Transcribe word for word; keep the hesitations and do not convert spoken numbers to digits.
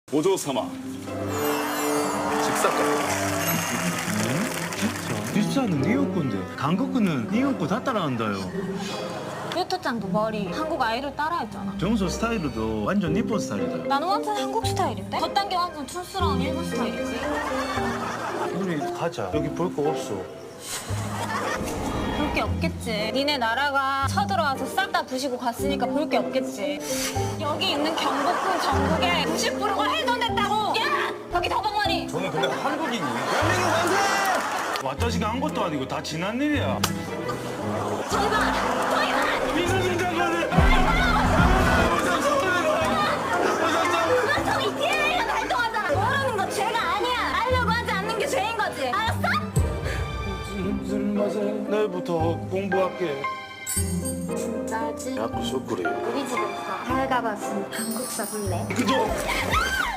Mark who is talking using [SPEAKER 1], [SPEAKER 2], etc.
[SPEAKER 1] 오조 삼아 직사건.
[SPEAKER 2] 진짜? 비싸는 니옷 건데韓国은 니옷 거 다 따라한다요.
[SPEAKER 3] 유토짱도 머리 한국 아이돌 따라했잖아.
[SPEAKER 2] 정수 스타일도 완전 니폰 스타일이다.
[SPEAKER 3] 나는 완전 한국 스타일인데? 겉단계 완전 촌스러운 일본 스타일이지.
[SPEAKER 2] 우리 가자. 여기 볼 거 없어.
[SPEAKER 3] 볼 게 없겠지. 니네 나라가 쳐들어와서 싹 다 부시고 갔으니까 볼 게 없겠지. 여기 있는 경복궁 전국에 구십 퍼센트가 훼손됐다고! 야! 거기 더벅머리!
[SPEAKER 1] 저는 근데 한국인이.
[SPEAKER 2] 와타시가 한 것도 아니고 다 지난 일이야.
[SPEAKER 3] 저기 봐! 저기 봐!
[SPEAKER 2] 이순신 장관을!
[SPEAKER 3] 너 저기 디엔에이가 발동하잖아! 모르는 거 죄가 아니야! 알려고 하지 않는 게 죄인 거지! 알았어?
[SPEAKER 2] 내일부터 공부할게.
[SPEAKER 3] 진짜지?
[SPEAKER 2] 야구 소쿠리.
[SPEAKER 3] 우리 집에서 하여가 봤으니 한국 사볼래?
[SPEAKER 2] 그죠?